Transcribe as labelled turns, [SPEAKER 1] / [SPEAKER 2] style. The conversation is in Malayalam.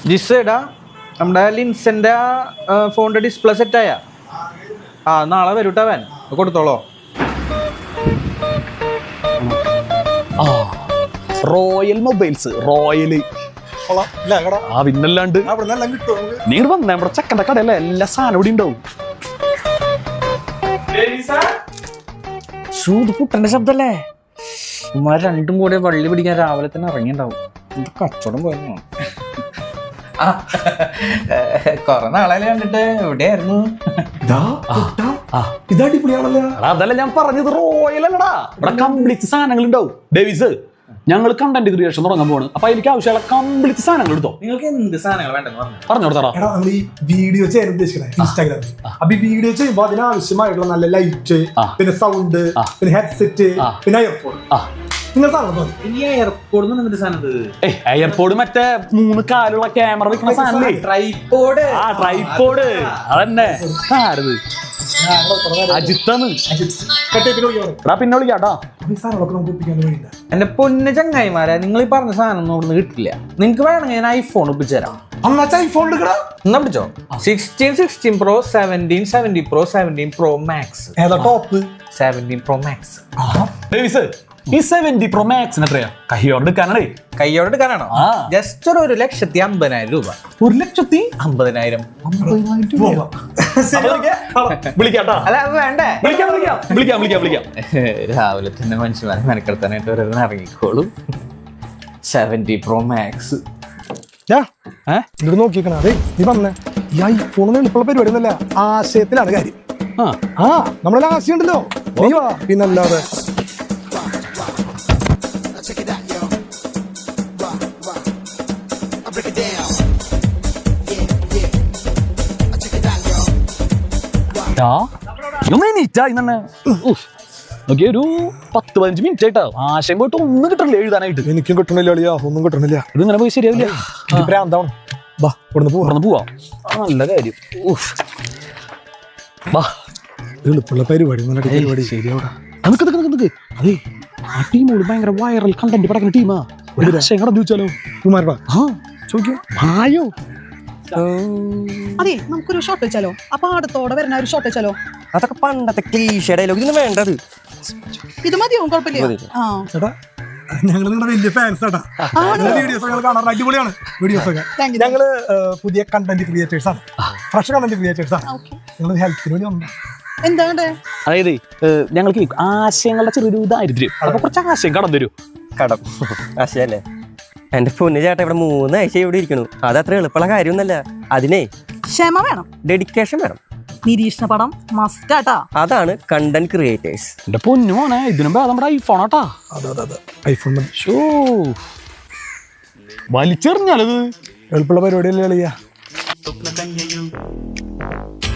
[SPEAKER 1] ജിസ്സേടാ നമ്മുടെ ലിൻസന്റെ ഫോണിന്റെ ഡിസ്പ്ലേ സെറ്റായ നാളെ വരൂട്ടവൻ കൊടുത്തോളോ.
[SPEAKER 2] റോയൽ മൊബൈൽസ് റോയല് പിന്നല്ലാണ്ട് നീ വന്നേ നമ്മുടെ ചെക്കൻ്റെ കടയല്ലേ എല്ലാ സാധനം ഇവിടെ ഉണ്ടാവും.
[SPEAKER 1] പുട്ടന്റെ ശബ്ദല്ലേ ഉമ്മാർ രണ്ടും കൂടെ വള്ളി പിടിക്കാൻ രാവിലെ തന്നെ ഇറങ്ങിണ്ടാവും. കച്ചവടം പോയെന്നു കൊറേ നാളെ കണ്ടിട്ട് എവിടെയായിരുന്നു.
[SPEAKER 2] അതല്ല ഞാൻ പറഞ്ഞത്, റോയൽ അല്ലടാ, ഇവിടെ കംപ്ലീറ്റ് സാധനങ്ങൾ ഉണ്ടാവും. ഡേവിസ്, ഞങ്ങൾ കണ്ടന്റ് ക്രിയേഷൻ തുടങ്ങാൻ പോണ്. അപ്പൊ എനിക്ക് ആവശ്യമുള്ള കംപ്ലീറ്റ് സാധനങ്ങൾ എടുത്തോ.
[SPEAKER 1] നിങ്ങൾക്ക് എന്ത് സാധനങ്ങൾ വേണ്ടെന്ന്
[SPEAKER 2] പറഞ്ഞു കൊടുത്തടാ.
[SPEAKER 3] നമ്മൾ ഈ വീഡിയോ ചെയ്യാൻ ഉദ്ദേശിക്കണേ ഇൻസ്റ്റാഗ്രാമിൽ. അപ്പൊ ഈ വീഡിയോ ചെയ്യുമ്പോൾ അതിനാവശ്യമായിട്ടുള്ള നല്ല ലൈറ്റ്, പിന്നെ സൗണ്ട്, പിന്നെ ഹെഡ്സെറ്റ്, പിന്നെ എയർപോഡ്.
[SPEAKER 2] എയർപോഡ് മറ്റേ 3 കാലുള്ള ക്യാമറ വെക്കുന്ന സാധനം, ട്രൈപോഡ്. അതന്നെ അജിത്താണ്. പിന്നെ വിളിക്കാട്ടോ.
[SPEAKER 1] എന്റെ പൊന്ന് ചങ്ങായിമാരെ, നിങ്ങൾ ഈ പറഞ്ഞ സാധനം ഒന്നും ഇവിടുന്ന് കിട്ടില്ല. നിങ്ങക്ക് വേണമെങ്കിൽ ഞാൻ ഐഫോൺ ഒപ്പിച്ചു തരാം. എന്നാ പിടിച്ചോ. 16 Pro, 17, 17 Pro, 17 Pro Max.
[SPEAKER 3] ഏതാ ടോപ്പ്?
[SPEAKER 1] 17 Pro Max.
[SPEAKER 2] ഈ 70 Pro Max എത്രയാ? കയ്യോടെ
[SPEAKER 1] എടുക്കാനാണോ? ജസ്റ്റ് 1,50,000 രൂപ.
[SPEAKER 2] 1,50,000.
[SPEAKER 1] അല്ല വേണ്ടേ?
[SPEAKER 2] വിളിക്കാം.
[SPEAKER 1] രാവിലെ തന്നെ മനുഷ്യന്മാരെ മെനക്കെടുത്താനായിട്ട് ഒരെണ്ണം ഇറങ്ങിക്കോളൂ. 70 Pro Max.
[SPEAKER 3] ഇങ്ങോട്ട് നോക്കിക്കണ. അതെ നീ പറഞ്ഞേ, ഈ ഐഫോൺ എളുപ്പമുള്ള പരിപാടി ഒന്നല്ല, ആശയത്തിലാണ് കാര്യം. നമ്മളെല്ലാം ആശയം ഉണ്ടല്ലോ. നീ വാ, പിന്നല്ലാതെ.
[SPEAKER 2] ഒരു 10-15 മിനിറ്റ് ആയിട്ടോ ആശയം പോയിട്ട് ഒന്നും കിട്ടണില്ല എഴുതാനായിട്ട്.
[SPEAKER 3] എനിക്കും കിട്ടണില്ല അളിയാ, ഒന്നും കിട്ടണില്ല.
[SPEAKER 2] ഇതിങ്ങനെ പോയി ശരിയാവില്ല. പോവാ. നല്ല കാര്യം.
[SPEAKER 3] എളുപ്പമുള്ള പരിപാടി
[SPEAKER 2] ശരിയാവിടെ. അതെ, ആ ടീമോട് ഭയങ്കര വൈറൽ കണ്ടന്റ് പടക്കുന്ന ടീമാ. ഒരു രക്ഷ കടന്നു ചോദിച്ചാലോ?
[SPEAKER 3] ആയോ
[SPEAKER 4] അതെ, നമുക്കൊരു ഷോട്ട് വെച്ചാലോ? അപ്പൊ അടുത്തോടെ വരുന്ന ഒരു ഷോട്ട് വെച്ചാലോ?
[SPEAKER 5] അതൊക്കെ പണ്ടത്തെ ക്ലീഷേ ഡയലോഗ്. ഇതിന് വേണ്ടത്
[SPEAKER 4] ഇത് മതിയോ? കുഴപ്പമില്ല.
[SPEAKER 3] ഞങ്ങൾ നിങ്ങളുടെ വലിയ ഫാൻസ് ആട്ടാ. വീഡിയോസ് ഒക്കെ കാണാറുണ്ട്, അടിപൊളിയാണ് വീഡിയോസ് ഒക്കെ. ഞങ്ങള് പുതിയ കണ്ടന്റ് ക്രിയേറ്റേഴ്സ് ആണ്, ഫ്രഷ് കണ്ടന്റ് ക്രിയേറ്റേഴ്സ് ആണ്. ഞങ്ങൾ ഹെൽത്തിന് വേണ്ടി വന്നു.
[SPEAKER 2] അതായത് ഞങ്ങൾക്ക് ആശയങ്ങളുടെ ചെറിയൊരു ദാരിദ്ര്യം, അപ്പൊ കുറച്ച് ആശയം കടം തരൂ.
[SPEAKER 5] കടം ആശയല്ലേ? എന്റെ പൊന്നു ചേട്ടാ, ഇവിടെ 3 ആഴ്ച ഇവിടെ ഇരിക്കണു. അതത്ര എളുപ്പമുള്ള കാര്യമൊന്നുമല്ല. അതിനെ
[SPEAKER 4] ക്ഷമ വേണം,
[SPEAKER 5] ഡെഡിക്കേഷൻ വേണം,
[SPEAKER 4] നിരീക്ഷണ പടം മസ്റ്റാട്ടാ.
[SPEAKER 5] അതാണ് കണ്ടന്റ് ക്രിയേറ്റേഴ്സ്.
[SPEAKER 2] എന്റെ പൊന്നു മോനെ, ഇതിനും നമ്മുടെ ഐഫോൺ ആട്ടാ.
[SPEAKER 3] ഐഫോൺ
[SPEAKER 2] വലിച്ചെറിഞ്ഞാലത്
[SPEAKER 3] എളുപ്പമുള്ള പരിപാടിയല്ലേ കളിയാ.